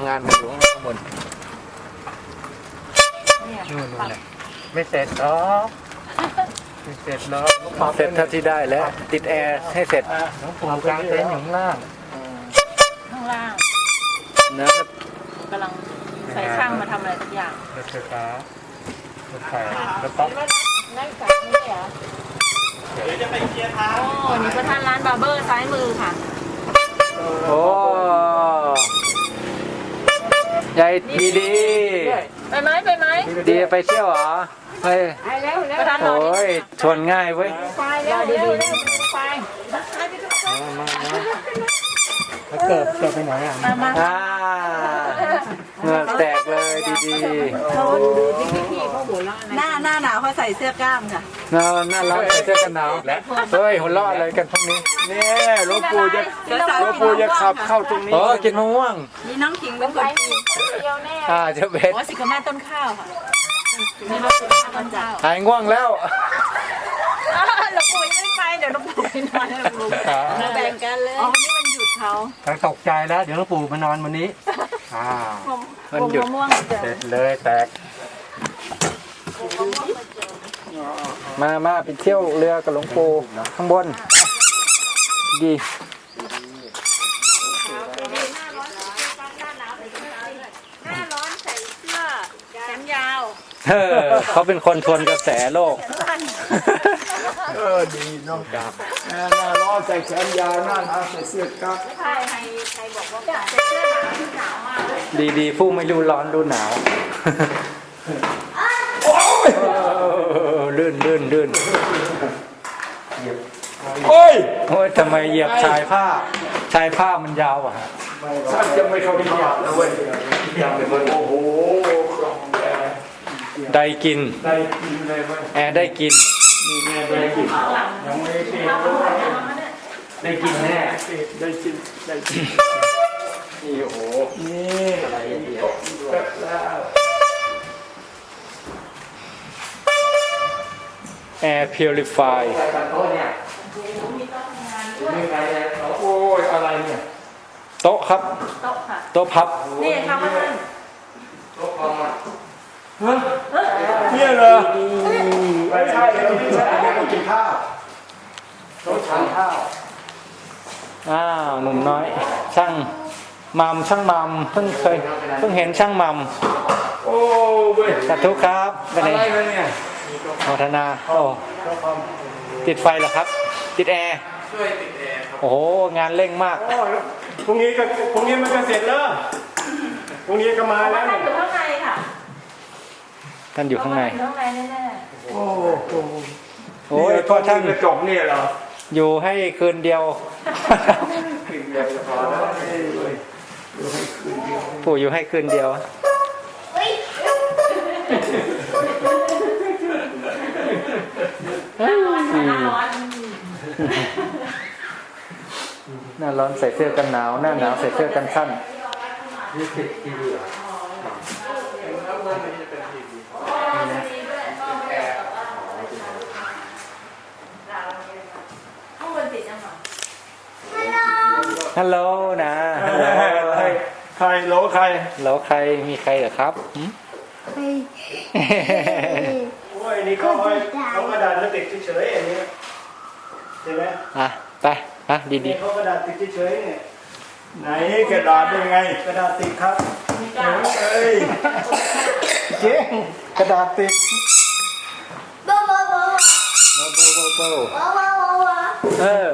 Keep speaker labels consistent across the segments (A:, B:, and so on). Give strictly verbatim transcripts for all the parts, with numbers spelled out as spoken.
A: ำงานกันอยู่ข้างบนนู่นนู่นไม่เสร็จหรอกไม่เสร็จหรอกเสร็จเท่าที่ได้แล้วติดแอร์ให้เสร็จน้องปู่กลางเต็นท์อยู่ข้างล่าง
B: ข้างล่าง
A: นะ
B: กำลังใส่ช่างมาทำอะไรทุกอย่าง
A: รถไฟฟ้ารถไฟรถป๊อป
B: นั่งกับนี่เหรอเดี๋ยวจะไปเคลียร์ทางโอ้นี่ประธานร้านบาร์เบอร์ซ้ายมือค่ะ
A: โอ้ยายดีดี
B: ไปไหมไปไหม
A: ดีไปเที่ยวเหรอเฮ้ยโอ้ยชวนง่ายเว้ย
B: ไปเร็วเร็วเร็วไป
A: มามามาเกิดเกิดไปไหนอ่ะ
B: มา
A: อ่าเหงื่อแตกเลยดีดี
B: หน้าหน้าหนาวเขาใส่เสื้อกล้ามค่ะ
A: หน้าหน้าร้อนใส่เสื้อกันหนาวเฮ้ยหัวเราะอะไรกันพวกนี้
C: เนี่ยหลวงปู่จะหลวงปู่จะขับเข้าตรงนี้
A: โอ้กินมะม่วง
B: มีน้องขิงเป็นคนกินเดียวแน่
A: อ่าเจ้าเบส
B: โอ้สิกแม่ต้นข้าวค่ะนี่มาสิต้นข้าว
A: หายง่วงแล้ว
B: หลวงปู่ยังไม่ไปเดี๋ยวหลวงปู่ไปนอนหลวงปู่แบ่งกันเลยอ๋อวันนี้มันหยุดเขา
A: ทั้งตกใจแล้วเดี๋ยวหลวงปู่มานอนวันนี้อ่ามันหยุดเสร็จเลยแตกมามาไปเที่ยวเรือกับหลวงปู่ข้างบนดี
B: หน้าร้อนใส่เสื้อแขนยาว
A: เออเขาเป็นคนทวนกระแสโลก
C: เออดีน้องจับหน้าร้อนใส่แขนยาวหน้าหนาวใส่เสื้อกั๊ก
B: ใครใครใครบอกว่าใส่เสื้อหนาวที่หนาวมากเลย
A: ดีดีผู้ไม่รู้ร้อนรู้หนาวลื่นลื่นลื่น
C: โอ้ย
A: โอ้ยทำไมเหยียบชายผ้าชายผ้ามันยาวอ่ะ
C: ฉันจะไม่เข้าไปหยาบนะเว้ยโอ้โห
A: ได้กิน
C: ได้กินเลยเว้ย
A: แอร์ได้กิน
C: นี่แม่ได้กินยังไม่ได้กิน
A: ได้กินแน่
C: ได้กินได้กินนี่โอ้โหนี่อะไรเดียวแล้ว
A: แอร์พิวริฟาย
C: โอ้ยอะไรเนี่ย
A: โต๊ะครับ
B: โต๊ะค่ะ
A: โต๊ะพับ
B: นี่ค่ะมาท่าน
C: โต๊ะพับอ่ะฮะเนี่ยเหรอไม่ใช่เราไม่ใช่เราต้องกินข้าวโต๊ะทานข้าว
A: อ้าวหนุ่มน้อยช่างมัมช่างมัมเพิ่งเคยเพิ่งเห็นช่างมัม
C: โอ้เว้ย
A: สาธุครับ
C: อะไรเนี่ย
A: โมทนาโอ้ติดไฟเหรอครับติดแอร์
C: ช่วยติดแอร์ครับ
A: โอ้โหงานเร่งมาก
C: พรุ่งนี้ก็พรุ่งนี้มันก็เสร็จแล้วพรุ่งนี้ก็มาแล้ว
B: ท่านอยู่ข้างในค่ะ
A: ท่านอยู่ข้างใน
B: ข้างในแน่
C: ๆโอ้โห
A: โอ้ยพ่อท่าน
C: กระจกเนี่ยเหรอ
A: อยู่ให้คืนเดียว
C: คืนเดียวพอแล้ว
A: ปู่อยู่ให้คืนเดียวหน้าร้อนใส่เสื้อกันหนาวหน้าหนาวใส่เสื้อกันสั้นนี่ติดทีวีเหรอฮัลโหลนะ
C: ใครใครโหลใคร
A: โหลใครมีใครเหรอครับ
C: โอ้ยนี่เขาเขากระดาษมาติดเฉยๆอย่างนี้เห็นไหม
A: อ่ะไปอ่ะดี
C: ๆเขากระดาษติดเฉยๆเนี่ยไหนกระดาษเป็นไงกระดาษติดครับเอ้ยเจ๊กระดาษติด
A: โบโบโบโบโบโบโบเออ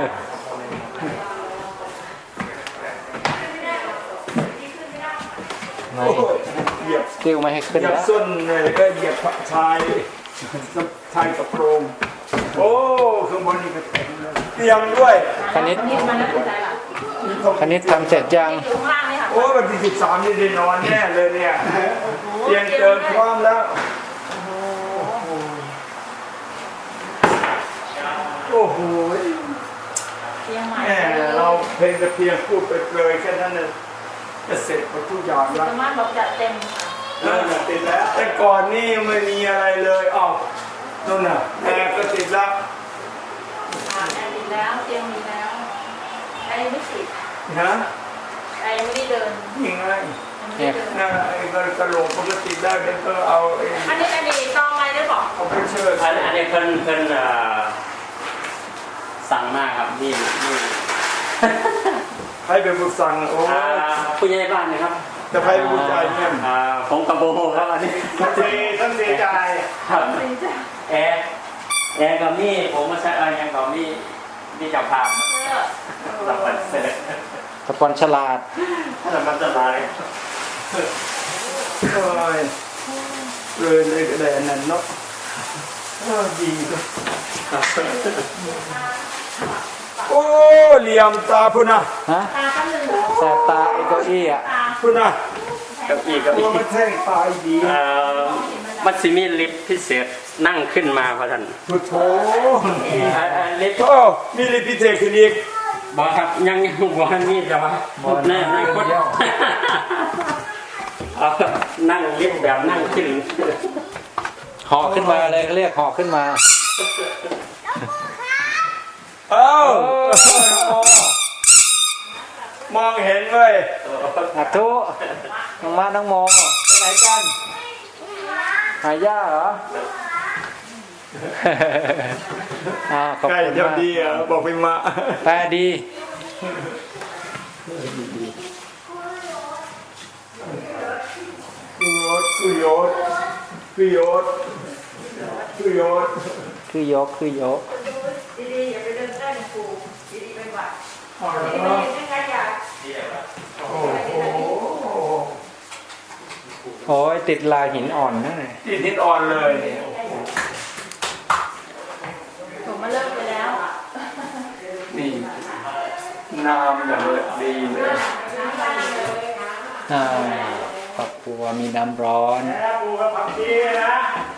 C: เหยียบ
A: ติ้วไม่ให้ขึ้น
C: เหยียบส้นเลยก็เหยียบชายชายกระโปรงโอ้ข้างบนนี่ก็เตียงด้วย
A: คณิตคณิตทำเสร็จยัง
C: โอ้วันที่สิบสามนี่ได้นอนแน่เลยเนี่ยเตียงเติมพร้อมแล้วโอ้โหแม่เราเพลงแต่เพียงพูดไปเลยแค่นั้นเลยจะเสร็จหมดทุกอย่างแล้ว
B: สามารถบอกจัดเต็ม
C: เออติดแล้วแต่ก่อนนี่ไม่มีอะไรเลยอ้าวนู่นน่ะแอร์ก็ติดแล้ว
B: แอร์ติดแล้วเตียงมีแล้วแอร์ไม่ติด
C: ฮะ
B: แอร์ไม่ได้เดิน
C: ยังไง
A: เนี่ย
C: นะไอ้กระโหลกปกติได้เดี๋ยวก็เอาไอ้
B: อันนี้อันนี้ซองอะไรได้บอก
C: เอาไปเชิญ
D: อันอันนี้เพิ่นเพิ่นเอ่อสั่งมากครับนี่นี่
C: ให้เป็นผู้สั่งโอ้
D: อ่าผู้ใหญ่บ้านนะครับ
C: จะให้เป็นผู้จ่ายเนี่ย
D: อ่าผมกับโบครับอันนี้
C: ท่านเสียท่านเสียใจ
D: ครับแอร์แอร์กับมี่ผมมาใช้อะไรยังกับมี่มี่จับภาพสับปันเสร็จ
A: สปอนฉลาด
D: ถ้าสับปันจะลาย
C: โอ้ยเลยเลยก็ได้อันนั้นเนาะเออดีโอ้เหลี่ยมตาพุ่นนะ
A: ฮะ
B: ตาข้างหนึ่ง
A: แสบตาไอ้เก้าอี้อ่ะ
C: พุ่นนะ
D: กับอีกกับ
C: ตั
D: อี
C: ว
D: ก
C: มันแท่งตายดี
D: เอ่อมัตซิมิลิฟต์พิเศษนั่งขึ้นมาพระท่าน
C: พุทโธ
D: อ่าอ่าลิฟต์
C: โอ้มีลิพิเศษขึ้นอีก
D: บอกครับยังยังบอกว่านี่จะมาแน่นั่งคดเอานั่งลิฟต์แบบนั่งขึ้น
A: ห่อขึ้นมาเลยเขาเรียกห่อขึ้นมา
C: เอ้ามองเห็นเว้ย
A: อัทุน้องมาน้องโมไปไหนกัน หาย่าเหรอ อ่าขอบ
C: ใกล้
A: คุณ
C: เดี๋ยว
A: มาก
C: ดีอ่ะบอกไปมา
A: แปลดี
C: คือโยศคือโยศคือโยศคือโยศ
A: คือยกคือยก
B: ดีๆอย่าไปเดินใกล้หลวงปู่ดีๆเป็นหวัด
C: อ๋อ
B: ดีๆไม่เห็นยังไงอยาก
C: โอ้โห
A: โอ้ยติดลายหินอ่อนนั่น
C: ติดนิดอ่อนเลย
B: ผมมาเลิกไปแล้ว
C: นี่น้ำอย่างดีเลย
A: อ่าครอบครัวมีน้ำร้อน
C: แล้วปูกับผักชีนะ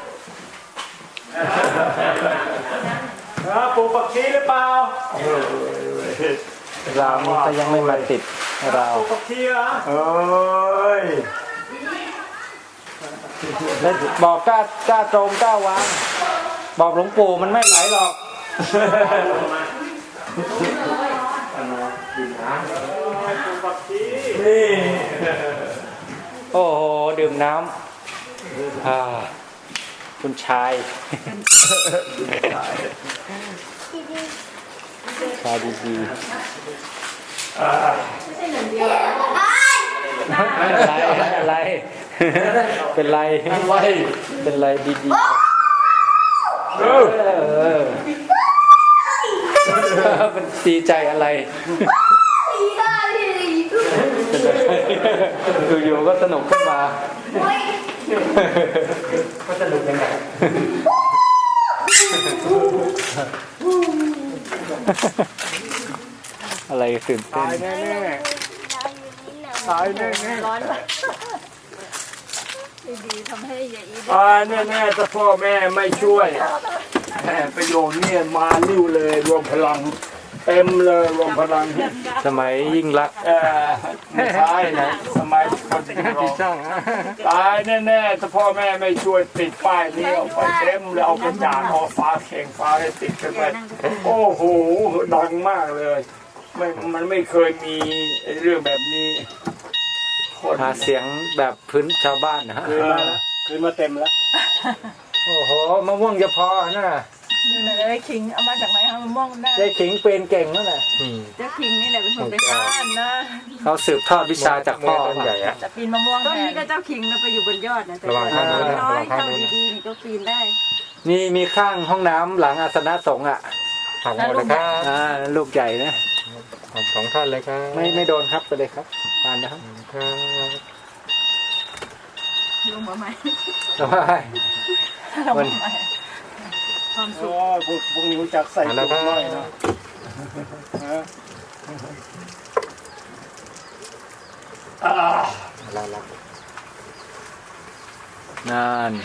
C: เออปูผักชีหรือเปล่า
A: เรานี่ก็ยังไม่มาติดเรา
C: ปูผักชีเหรอเอ้ย
A: แล้วบอกกล้ากล้าตรงกล้าวาง บอกหลวงปู่มันไม่ไหลหรอก
C: นี่
A: โอ้โห ดื่มน้ำอ่าคุณชาย ชายดี
B: ไม่ใช่หนึ่งเดียว
A: ๆอะไรอะไร เป็นไร เป็นไรดีๆ
C: เออ
A: เออมันดีใจอะไรอยู่ๆก็สนุกขึ้นมาก็สนุกยังไงอะไรตื่นเต้
C: ตาย
A: น
C: แน่ๆตายแน่
B: ร้อนดีๆทำให้ยายอี
C: ๆตายแน่ๆถ้าพ่อแม่ไม่ช่วยแหมประโยชน์เนี่ยมาลิ้วเลยรวมพลังเต็มเลยรวมพลัง
A: สมัยยิ่งรัก
C: เออไม่ใช่นะสมัยคนที่รอ
A: ช่าง
C: ตายแน่ๆถ้าพ่อแม่ไม่ช่วยติดป้ายนี้เอาไปเต็มเลยเอากระจาดเอาฟ้าเข่งฟ้าให้ติดกันไปโอ้โหดังมากเลยไม่มันไม่เคยมีเรื่องแบบนี้คน
A: หาเสียงแบบพื้นชาวบ้านนะฮะ
C: คืนมาแล้วคืนมาเต็มแล้ว
A: โอ้โหมะม่วงจะพอน่ะ
B: เลยขิงเอามาจากไหนคะมะม่วงได้
A: ยายขิงเป็นเก่งนั่นแหละ
B: เจ้าขิงนี่แหละเป็นคนไปซ่านนะ
A: เขาสืบทอดวิชาจากพ่อใหญ่อะ
B: จะปีนมะม่วงต้นนี้ก็เจ้าขิงนะไปอยู่บนยอดนะแต่น้อยเข้าดีๆนี่ก็ปีนได้
A: นี่มีข้างห้องน้ำหลังอาสนะสงฆ์อ่ะ
E: ผักหมดเลยครับ
A: อ่าลูกใหญ่นะ
E: ของสองท่านเลยครับ
A: ไม่ไม่โดนครับไปเลยครับผ่านนะครับ
E: ครับ
B: ลงมาใหม่
A: สบาย
B: ลงมาใหม่ความสุ
C: โอ้
B: ข
C: ยพวกพวกนี้รู้จักใส่ถุงน้อยเนาะฮะอ่า
E: ลาลา
A: นั่น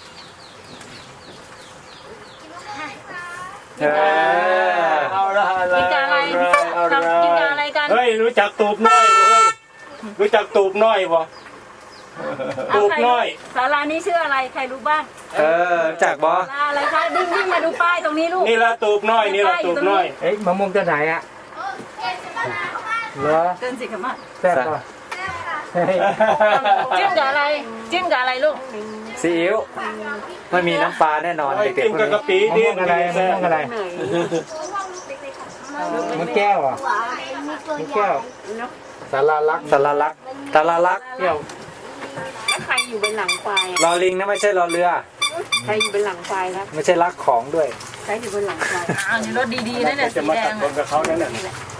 A: เออ
C: เอาละอะไร
B: กินกับอะไร
C: เอาละ
B: กินกับอะไรกัน
C: เฮ้ยรู้จักตูบน้อยเว้ยรู้จักตูบน้อยบ่ตูบน้อย
B: ศาลานี้ชื่ออะไรใครรู้บ้าง
A: เออจากบอ
B: ศาลาอะไรคะดิ้งดิ้งมาดูป้ายตรงนี้ลูก
C: นี่ละตูบน้อยนี่ละตูบน้อย
A: เอ้ยมะม่วงจะไหนอ่ะเหรอ
B: เดินสิครับมา
A: แซ่บป่ะ
B: จิ้มกับอะไร จิ้มกับอะไรลูก
A: ซีอิ๊วไม่มีน้ำปลาแน่นอนเด็ก
C: กิน
A: ๆพวก
C: กับกะ
A: นี้
C: ปิ
A: มะ
C: ดิ
A: ม่วงอะไรมะม่วงอะไรมะแก้วอ่ะมะแก้วสาราลักษณ์สาราลักษณ์สาราลักษณ์เที่ยว
B: แล้วใครอยู่เป็นหลังควาย
A: รอลิงนะไม่ใช่รอเรือ
B: ใครอยู่เป็นหลังควายครับ
A: ไม่ใช่ลักของด้วย
B: ใครอยู่เป็นหลังควายอ้าวนี่รถดีๆนั่นแหละ
C: จะ
B: สี
C: มา
B: แด
C: ตัด
B: ง
C: คนกับเขานั่นแหละ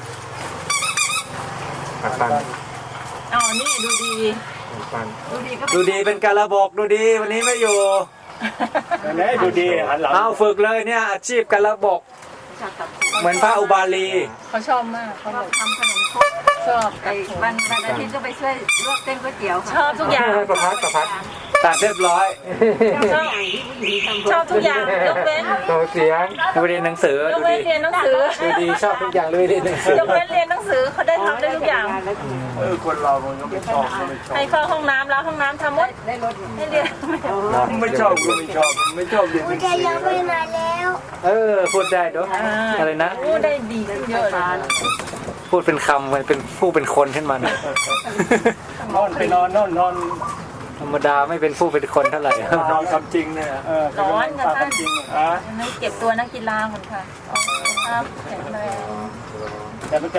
E: ปักปัน
B: อ๋อนี่ดูดี
E: ปักปัน
B: ดูดีก็
A: ดูดีเป็นกาละบอกดูดีวันนี้ไม่อยู่
C: ไหนดูดีหันหลัง
A: เอาฝึกเลยเนี่ยอาชีพกาละบอกเหมือนพระอุบาลี
B: เขาชอบมากเขาบอกทำขนมครกชอบไอ้วันวันอาทิตย์ก็ไปช่วยลวกเส้นก๋วยเตี๋ยวค่ะชอบทุกอย่าง
E: ประพัดประพัด
A: ตัดเรียบร้อย
B: ชอบชอบทุกอย่างยกเว้น
E: โตเสียง
A: ดูเรียนหนังสือย
B: ก
A: ดู
B: เว้น
A: ดี
B: เรียนหนังสือ
A: ดูดีชอบทุกอย่างเลยเรียนหนังสือย
B: กเว้นเรียนหนังสือเขาได้ทำได้ทุกอย่าง
C: เออคนเรามันก็ไม่ชอบก็ไม่ชอบ
B: ให้เข้าห้องน้ำแล้วห้องน้ำทำหมดได้รถให้เรียน
C: ไม่ชอบก็ไม่ชอบไม่ชอบเรียนหนังสือ
F: ยังไม่มาแล้ว
A: เออพูดได้ด้วยอะไรนะ
B: โอ้ได้ดีขึ้นเยอะเลย
A: พูดเป็นคำมันเป็นผู้เป็นคนขึ้นมาหน่อย
C: นอนไปนอนนอนนอน
A: ธรรมดาไม่เป็นผู้เป็นคนเท่าไหร่
C: นอนคำจริงเนี่ยเออ
B: ร้อนค่ะท่าน
C: จริงอ่ะ
B: ไม่เก็บตัวนักกีฬาคนค่ะครับแข็งแรง
C: แต่มันจะ